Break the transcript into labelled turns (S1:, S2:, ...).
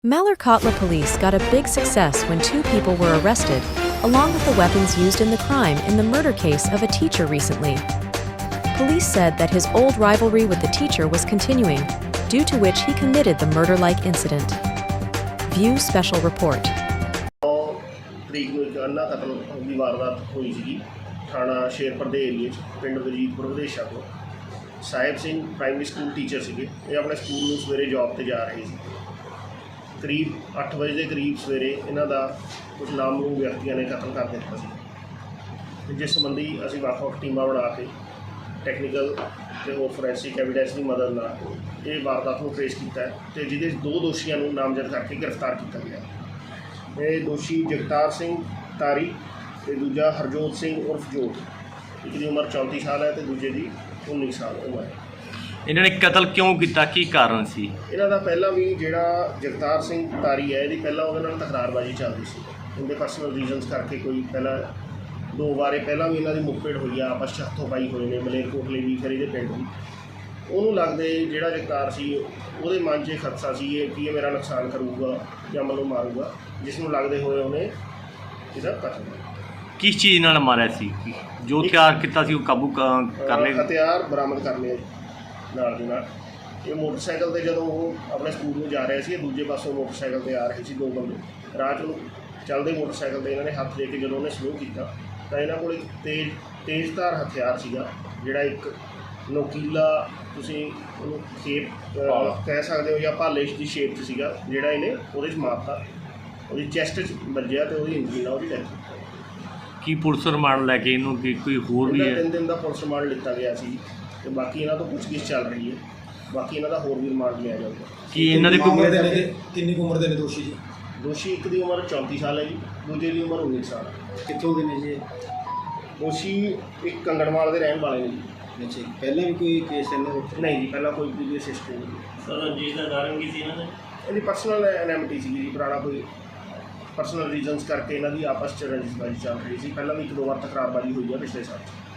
S1: Mallerkotla police got a big success when two people were arrested, along with the weapons used in the crime in the murder case of a teacher recently. Police said that his old rivalry with the teacher was continuing, due to which he committed the murder-like incident. View special report.
S2: ਤਰੀਕ ਨੂੰ ਇੱਕ ਅੰਨਾ ਕਤਲ ਦੀ ਵਾਰਦਾਤ ਹੋਈ ਸੀਗੀ ਥਾਣਾ ਸ਼ੇਰਪੁਰ ਦੇ ਏਰੀਏ 'ਚ ਪਿੰਡ ਵਜੀਦਪੁਰ ਵਿਦੇਸ਼ਾ ਤੋਂ। Sahib Singh primary school teacher ਸੀਗੇ। ਇਹ ਆਪਣੇ ਸਕੂਲ ਨੂੰ ਸਵੇਰੇ ਜੌਬ 'ਤੇ ਜਾ ਰਹੇ ਸੀ। ਕਰੀਬ 8 ਵਜੇ ਦੇ ਕਰੀਬ ਸਵੇਰੇ ਇਹਨਾਂ ਦਾ ਕੁਝ ਨਾਮਲੂਮ ਵਿਅਕਤੀਆਂ ਨੇ ਕਤਲ ਕਰ ਦਿੱਤਾ ਸੀ, ਜਿਸ ਸੰਬੰਧੀ ਅਸੀਂ ਵੱਖ-ਵੱਖ ਟੀਮਾਂ ਬਣਾ ਕੇ ਟੈਕਨੀਕਲ ਅਤੇ ਹੋਰ ਫੋਰੈਂਸਿਕ ਐਵੀਡੈਂਸ ਦੀ ਮਦਦ ਨਾਲ ਇਹ ਵਾਰਦਾਤ ਨੂੰ ਟਰੇਸ ਕੀਤਾ ਅਤੇ ਜਿਹਦੇ 2 ਦੋਸ਼ੀਆਂ ਨੂੰ ਨਾਮਜ਼ਦ ਕਰਕੇ ਗ੍ਰਿਫਤਾਰ ਕੀਤਾ ਗਿਆ। ਇਹ ਦੋਸ਼ੀ ਜਗਤਾਰ ਸਿੰਘ ਤਾਰੀ ਅਤੇ ਦੂਜਾ ਹਰਜੋਤ ਸਿੰਘ ਉਰਫ ਜੋਤ, ਇੱਕ ਦੀ ਉਮਰ 34 ਸਾਲ ਹੈ ਅਤੇ ਦੂਜੇ ਦੀ 19 ਸਾਲ ਉਮਰ ਹੈ।
S3: ਇਹਨਾਂ ਨੇ ਕਤਲ ਕਿਉਂ ਕੀਤਾ, ਕੀ ਕਾਰਨ ਸੀ?
S2: ਇਹਨਾਂ ਦਾ ਪਹਿਲਾਂ ਵੀ ਜਿਹੜਾ ਜਗਤਾਰ ਸਿੰਘ ਤਾਰੀ ਹੈ, ਇਹਦੀ ਪਹਿਲਾਂ ਉਹਦੇ ਨਾਲ ਤਕਰਾਰਬਾਜ਼ੀ ਚੱਲਦੀ ਸੀ। ਉਹਦੇ ਪਰਸਨਲ ਰੀਜ਼ਨਸ ਕਰਕੇ ਕੋਈ ਪਹਿਲਾਂ 2 ਵਾਰੇ ਪਹਿਲਾਂ ਵੀ ਇਹਨਾਂ ਦੀ ਮੁੱਠਭੇੜ ਹੋਈ ਆ, ਆਪਸ 'ਚ ਹੱਥੋਂ ਪਾਈ ਹੋਏ ਨੇ ਮਲੇਰਕੋਟਲੇ ਵੀ, ਫਿਰ ਇਹਦੇ ਪਿੰਡ ਵੀ। ਉਹਨੂੰ ਲੱਗਦੇ ਜਿਹੜਾ ਜਗਤਾਰ ਸੀ ਉਹਦੇ ਮਨ 'ਚ ਇਹ ਖਦਸ਼ਾ ਸੀ ਕਿ ਇਹ ਮੇਰਾ ਨੁਕਸਾਨ ਕਰੂਗਾ ਜਾਂ ਮੈਨੂੰ ਮਾਰੂਗਾ, ਜਿਸ ਨੂੰ ਲੱਗਦੇ ਹੋਏ ਉਹਨੇ ਇਹਦਾ ਕਤਲ
S3: ਕਿਸ ਚੀਜ਼ ਨਾਲ ਮਾਰਿਆ ਸੀ? ਜੋ ਹਥਿਆਰ ਕੀਤਾ ਸੀ ਉਹ ਕਾਬੂ ਕਰ ਲਏ?
S2: ਹਥਿਆਰ ਬਰਾਮਦ ਕਰ ਲਏ ਨਾਲ ਦੀ ਨਾਲ। ਇਹ ਮੋਟਰਸਾਈਕਲ 'ਤੇ ਜਦੋਂ ਉਹ ਆਪਣੇ ਸਕੂਲ ਨੂੰ ਜਾ ਰਹੇ ਸੀ, ਦੂਜੇ ਪਾਸੋਂ ਮੋਟਰਸਾਈਕਲ 'ਤੇ ਆ ਰਹੇ ਸੀ 2 ਬੰਦੇ। ਰਾਹ 'ਚ ਚੱਲਦੇ ਮੋਟਰਸਾਈਕਲ 'ਤੇ ਇਹਨਾਂ ਨੇ ਹੱਥ ਦੇ ਕੇ ਜਦੋਂ ਉਹਨੇ ਸਲੋ ਕੀਤਾ ਤਾਂ ਇਹਨਾਂ ਕੋਲ ਇੱਕ ਤੇਜ਼ਧਾਰ ਹਥਿਆਰ ਸੀਗਾ, ਜਿਹੜਾ ਇੱਕ ਨੋਕੀਲਾ, ਤੁਸੀਂ ਉਹਨੂੰ ਸ਼ੇਪ ਕਹਿ ਸਕਦੇ ਹੋ ਜਾਂ ਭਾਲੇ ਦੀ ਸ਼ੇਪ 'ਚ ਸੀਗਾ, ਜਿਹੜਾ ਇਹਨੇ ਉਹਦੇ 'ਚ ਮਾਰਤਾ। ਉਹਦੀ ਚੈਸਟ 'ਚ ਵੱਜਿਆ ਅਤੇ ਉਹਦੀ ਇੰਜਰੀ ਨਾਲ ਉਹਦੀ ਡੈਥ।
S3: ਕੀ ਪੁਲਿਸ ਰਿਮਾਂਡ ਲੈ ਕੇ ਇਹਨੂੰ ਕੋਈ ਹੋਰ ਵੀ ਹੈ?
S2: 3 ਦਿਨ ਦਾ ਪੁਲਿਸ ਰਿਮਾਂਡ ਲਿੱਤਾ ਗਿਆ ਸੀ ਅਤੇ ਬਾਕੀ ਇਹਨਾਂ ਤੋਂ ਪੁੱਛਗਿੱਛ ਚੱਲ ਰਹੀ ਹੈ। ਬਾਕੀ ਇਹਨਾਂ ਦਾ ਹੋਰ ਵੀ ਰਿਮਾਂਡ ਲਿਆ ਜਾਊਗਾ।
S3: ਕੀ ਇਹਨਾਂ ਦੇ
S4: ਕਿੰਨੀ ਉਮਰ ਦੇ ਨੇ ਦੋਸ਼ੀ ਜੀ?
S2: ਦੋਸ਼ੀ ਇੱਕ ਦੀ ਉਮਰ 34 ਸਾਲ ਹੈ ਜੀ, ਦੂਜੇ ਦੀ ਉਮਰ 19 ਸਾਲ ਹੈ।
S4: ਕਿੱਥੋਂ ਦੇ ਨੇ ਜੀ?
S2: ਦੋਸ਼ੀ ਇੱਕ ਕੰਗਣਵਾਲ ਦੇ ਰਹਿਣ ਵਾਲੇ ਨੇ ਜੀ।
S4: ਅੱਛਾ, ਪਹਿਲਾਂ ਵੀ ਕੋਈ ਕੇਸ ਇਹਨਾਂ ਦੇ?
S2: ਨਹੀਂ ਜੀ, ਪਹਿਲਾਂ ਕੋਈ ਪ੍ਰੀਵੀਅਸ ਹਿਸਟਰੀ ਨਹੀਂ।
S5: ਸਰ ਜਿਸ ਦਾ ਕਾਰਨ ਕੀ ਸੀ ਇਹਨਾਂ ਦੇ?
S2: ਇਹਦੀ ਪਰਸਨਲ ਐਨੈਮਿਟੀ ਸੀਗੀ ਜੀ, ਪੁਰਾਣਾ ਕੋਈ ਪਰਸਨਲ ਰੀਜ਼ਨਸ ਕਰਕੇ ਇਹਨਾਂ ਦੀ ਆਪਸ 'ਚ ਰੰਜਿਸ਼ਬਾਜ਼ੀ ਚੱਲ ਰਹੀ ਸੀ। ਪਹਿਲਾਂ ਵੀ 1-2 ਵਾਰ ਤਕਰਾਰਬਾਜ਼ੀ ਹੋਈ ਹੈ ਪਿਛਲੇ ਸਾਲ 'ਚ।